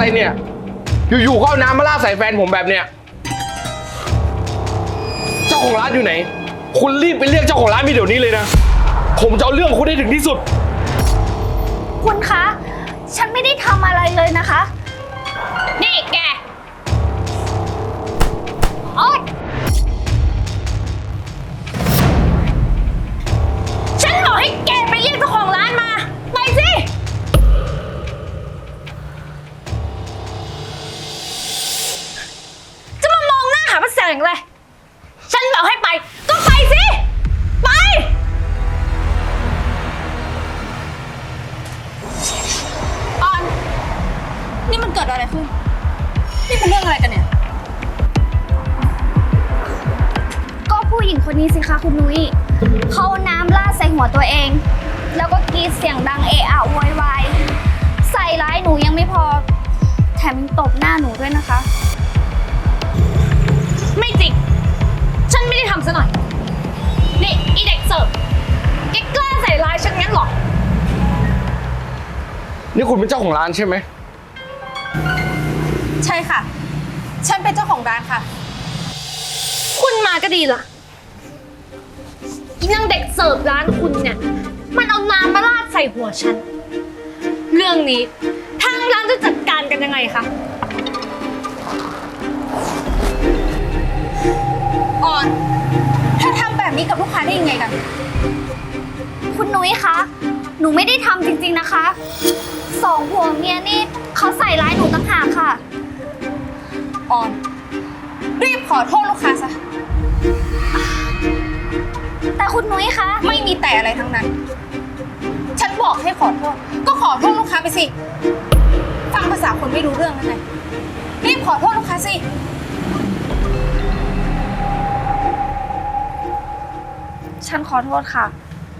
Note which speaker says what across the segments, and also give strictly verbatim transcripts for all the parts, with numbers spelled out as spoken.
Speaker 1: อะไรเนี่ยอยู่ๆก็เอาน้ำมาราดใส่แฟนผมแบบเนี้ยเจ้าของร้านอยู่ไหนคุณรีบไปเรียกเจ้าของร้านมาเดี๋ยวนี้เลยนะผมจะเอาเรื่องคุณให้ถึงที่สุด
Speaker 2: คุณคะ ฉันไม่ได้ทำอะไรเลยนะคะนี่แกโอ๊ยฉันบอกให้แกไปเรียกเจ้าของร้านมาไปสิจะมามองหน้าหาพระแสงเลยฉันบอกให้ไปก็ไปสิไปออนนี่มันเกิดอะไรขึ้นนี่เป็นเรื่องอะไรกันเนี่ยก็ผู้หญิงคนนี้สิคะคุณนุ้ยเขาน้ำราดใส่หัวตัวเองแล้วก็กรีดเสียงดังเอะอะโวยวายใส่ร้ายหนูยังไม่พอแถมยังตบหน้าหนูด้วยนะคะไม่จริงฉันไม่ได้ทำซะหน่อยนี่อีเด็กเสิร์ฟแกกล้าใส่ร้ายฉันงั้นเหรอ
Speaker 1: นี่คุณเป็นเจ้าของร้านใช่ไหม
Speaker 3: ใช่ค่ะฉันเป็นเจ้าของร้านค่ะ
Speaker 2: คุณมาก็ดีล่ะอีนางเด็กเสิร์ฟร้านคุณเนี่ยมันเอาน้ำมาราดใส่หัวฉันเรื่องนี้ทางร้านจะจัดการกันยังไงคะ
Speaker 3: ออนเธอทำแบบนี้กับลูกค้าได้ยังไงกัน
Speaker 2: คุณนุ้ยคะหนูไม่ได้ทำจริงๆนะคะสองผัวเมียนี่เขาใส่ร้ายหนูต่างหากค่ะ
Speaker 3: ออนรีบขอโทษลูกค้าซะ
Speaker 2: แต่คุณนุ้ยคะ
Speaker 3: ไม่มีแต่อะไรทั้งนั้นฉันบอกให้ขอโทษก็ขอโทษลูกค้าไปสิฟังภาษาคนไม่รู้เรื่องนั่นไงรีบขอโทษลูกค้าสิ
Speaker 2: ฉันขอโทษค่ะ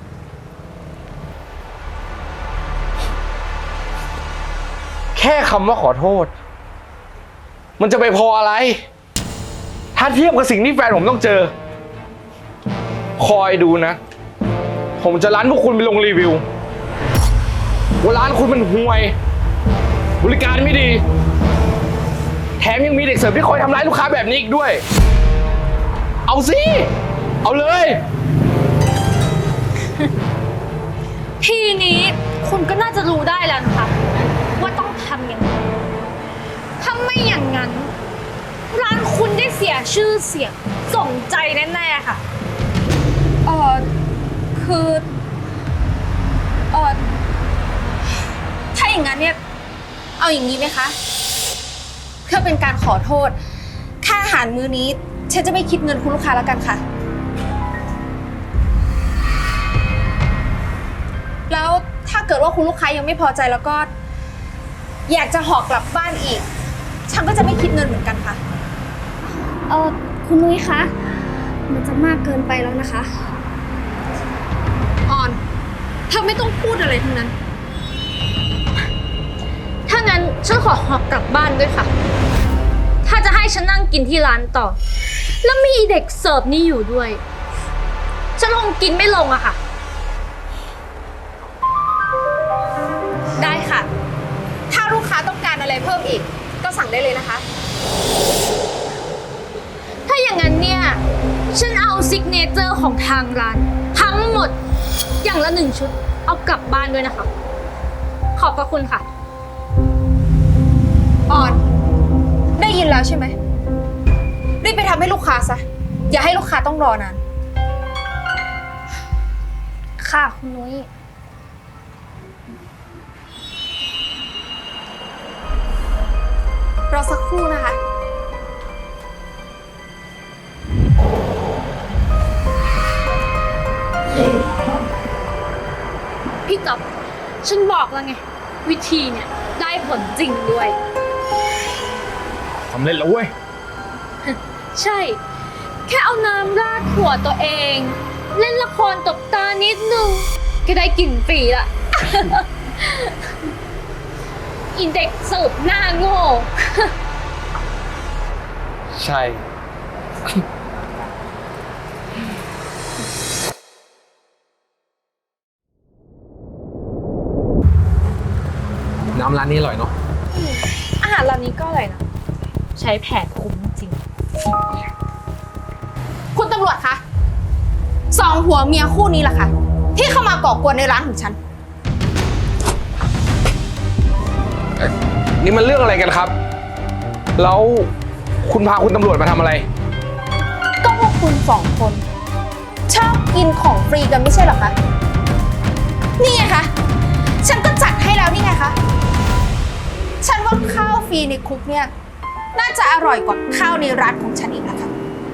Speaker 1: แค่คำว่าขอโทษมันจะไปพออะไรถ้าเทียบกับสิ่งที่แฟนผมต้องเจอคอยดูนะผมจะร้านพวกคุณไปลงรีวิวว่าร้านคุณมันห่วยบริการไม่ดีแถมยังมีเด็กเสิร์ฟที่คอยทำร้ายลูกค้าแบบนี้อีกด้วยเอาสิเอาเลย
Speaker 2: ทีนี้คุณก็น่าจะรู้ได้แล้วนะคะว่าต้องทำยังไงถ้าไม่อย่างนั้นร้านคุณได้เสียชื่อเสียงส่งใจแน่ๆค่ะ
Speaker 3: เออคือเออถ้าอย่างนั้นเนี่ยเอาอย่างนี้ไหมคะเพื่อเป็นการขอโทษค่าอาหารมื้อนี้ฉันจะไม่คิดเงินคุณลูกค้าแล้วกันค่ะแล้วถ้าเกิดว่าคุณลูกค้ายังไม่พอใจแล้วก็อยากจะห่อกลับบ้านอีกฉันก็จะไม่คิดเงินเหมือนกันค่ะ
Speaker 2: เออคุณนุ้ยคะมันจะมากเกินไปแล้วนะคะ
Speaker 3: ออนเธอไม่ต้องพูดอะไรทั้งนั้น
Speaker 2: ถ้างั้นฉันขอหอบกลับบ้านด้วยค่ะถ้าจะให้ฉันนั่งกินที่ร้านต่อแล้วมีเด็กเสิร์ฟนี่อยู่ด้วยฉันคงกินไม่ลงอะค่ะ
Speaker 3: ได้ค่ะถ้าลูกค้าต้องการอะไรเพิ่มอีกก็สั่งได้เลยนะคะ
Speaker 2: ถ้าอย่างนั้นเนี่ยฉันเอาซิกเนเจอร์ของทางร้านทั้งหมดอย่างละหนึ่งชุดเอากลับบ้านด้วยนะคะขอบพระคุณค่ะ
Speaker 3: ออนได้ยินแล้วใช่ไหมรีบไปทำให้ลูกค้าซะอย่าให้ลูกค้าต้องรอนาน
Speaker 2: ค่ะคุณนุ้ย
Speaker 3: รอสักครู่นะคะ
Speaker 2: พี่จ๊อบฉันบอกแล้วไงวิธีเนี่ยได้ผลจริงด้วย
Speaker 1: สำเร็จแล้วเว้ย
Speaker 2: ใช่แค่เอาน้ำราดหัวตัวเองเล่นละครตบตานิดนึงก็ได้กลิ่นฟรีละอินเด็กเสิร์ฟหน้าโง่
Speaker 1: ใช่น้ำร้านนี้อร่อยเนาะ
Speaker 3: อาหาร
Speaker 2: ารร้านนี้ก็อร่อยนะ ใช้แผนคุ้มจริง
Speaker 3: คุณตำรวจคะสองผัวเมียคู่นี้แหละค่ะ ที่เข้ามาก่อกวนในร้านของฉัน
Speaker 1: นี่มันเรื่องอะไรกันครับ แล้วคุณพาคุณตำรวจมาทำอะไร
Speaker 3: ก็พวกคุณสองคน ชอบกินของฟรีกันไม่ใช่เหรอคะ นี่ไงคะ ฉันก็จัดให้แล้วนี่ไงคะ ฉันว่าข้าวฟรีในคุกเนี่ย น่าจะอร่อยกว่าข้าวในร้านของฉันอีกนะคะ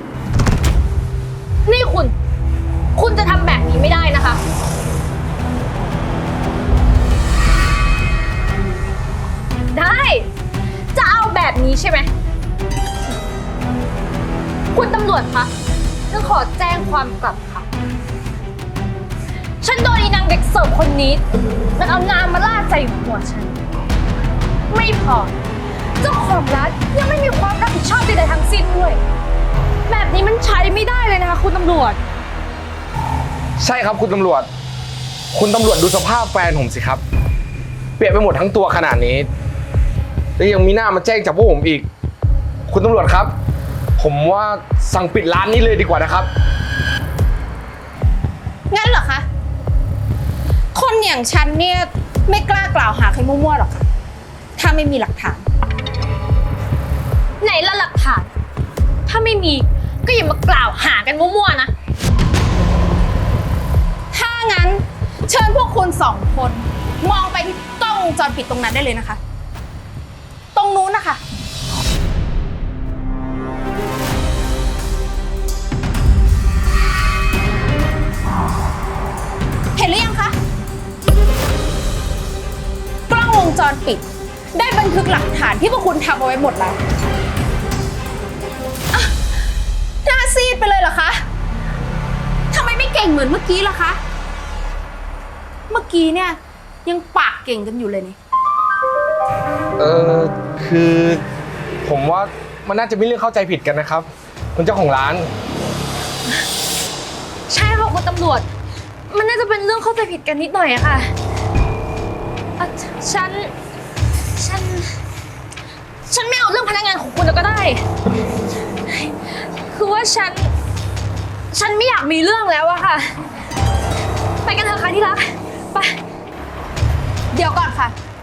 Speaker 2: นี่คุณ คุณจะทำแบบนี้ไม่ได้นะคะ ได้ จะเอาแบบนี้ใช่ไหม คุณตำรวจคะ ฉันขอแจ้งความกลับค่ะ ฉันโดนอีนางเด็กเสิร์ฟคนนี้ มันเอาน้ำมาราดใส่หัวฉัน ไม่พอ เจ้าของร้านยังไม่มีความรับผิดชอบใดๆทั้งสิ้นด้วย แบบนี้มันใช้ไม่ได้เลยนะคะคุณตำรวจ
Speaker 1: ใช่ครับคุณตำรวจ คุณตำรวจดูสภาพแฟนผมสิครับ เปียกไปหมดทั้งตัวขนาดนี้ แล้วยังมีหน้ามาแจ้งจับพวกผมอีก คุณตำรวจครับ ผมว่าสั่งปิดร้านนี้เลยดีกว่านะครับ
Speaker 3: งั้นเหรอคะ คนอย่างฉันเนี่ยไม่กล้ากล่าวหาใครมั่วๆหรอกค่ะ ถ้าไม่มีหลักฐาน
Speaker 2: ไหนละหลักฐาน ถ้าไม่มีก็อย่ามากล่าวหากันมั่วๆนะ
Speaker 3: ถ้างั้นเชิญพวกคุณสองคน มองไปที่กล้องวงจรปิดตรงนั้นได้เลยนะคะ ตรงนู้นนะคะ เห็นหรือยังคะ กล้องวงจรปิด ได้บันทึกหลักฐานที่พวกคุณทำเอาไว้หมดแล้วอ่ะหน้าซีดไปเลยเหรอคะทำไมไม่เก่งเหมือนเมื่อกี้ล่ะคะ เมื่อกี้เนี่ยยังปากเก่งกันอยู่เลยนี่
Speaker 1: เออคือผมว่ามันน่าจะมีเรื่องเข้าใจผิดกันนะครับ คุณเจ้าของร้าน
Speaker 2: ใช่ค่ะคุณตำรวจ มันน่าจะเป็นเรื่องเข้าใจผิดกันนิดหน่อยอะค่ะอ่ะฉัน ฉัน ฉันไม่เอาเรื่องพนักงานของคุณแล้วก็ได้ คือว่าฉัน ฉันไม่อยากมีเรื่องแล้วอะค่ะ ไปกันเถอะค่ะที่รัก ไป
Speaker 3: เดี๋ยวก่อนค่ะ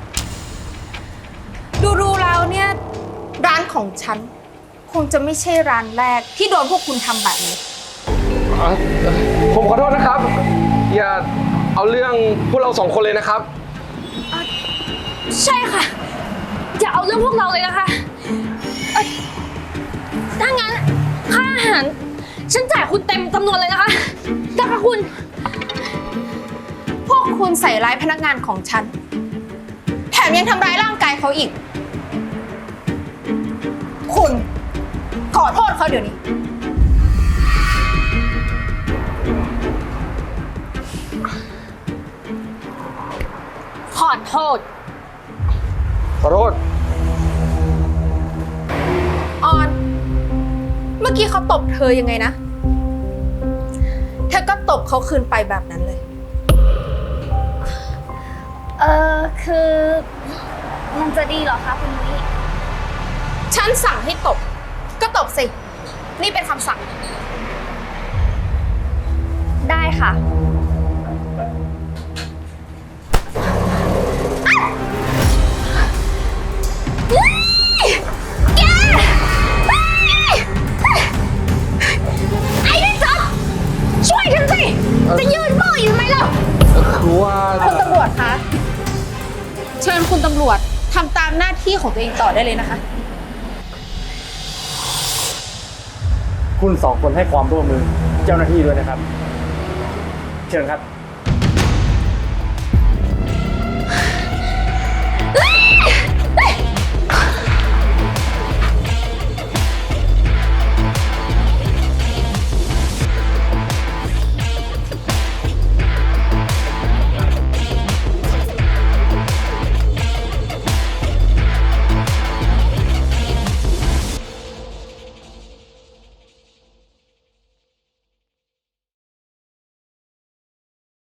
Speaker 3: ดูดูๆแล้วเนี่ยร้านของฉัน คงจะไม่ใช่ร้านแรกที่โดนพวกคุณทำแบบนี้
Speaker 1: อ่ะผมขอโทษนะครับ อย่าเอาเรื่องพวกเราสองคนเลยนะครับ
Speaker 2: ใช่ค่ะ อย่าเอาเรื่องพวกเราเลยนะคะเอ่อถ้างั้นค่าอาหาร ฉันจ่ายคุณเต็มจำนวนเลยนะคะได้ค่ะคุณ
Speaker 3: พวกคุณใส่ร้ายพนักงานของฉัน แถมยังทำร้ายร่างกายเขาอีก คุณขอโทษเขาเดี๋ยวนี้
Speaker 2: ขอโทษ
Speaker 1: ขอโทษ
Speaker 3: ออน เมื่อกี้เขาตบเธอยังไงนะ เธอก็ตบเขาคืนไปแบบนั้นเลย
Speaker 2: เออคือมันจะดีเหรอคะคุณนุ้ย
Speaker 3: ฉันสั่งให้ตบ ก็ตบสิ นี่เป็นคำสั่ง
Speaker 2: ได้ค่ะ แกไอ้นี่จ๊อบช่วยฉันสิ จะยืนมืออยู่ไหมล่ะ
Speaker 1: คือว่า
Speaker 3: คุณตำรวจคะ เชิญคุณตำรวจทำตามหน้าที่ของตัวเองต่อได้เลยนะคะ
Speaker 4: คุณสองคนให้ความร่วมมือเจ้าหน้าที่ด้วยนะครับ เชิญครับ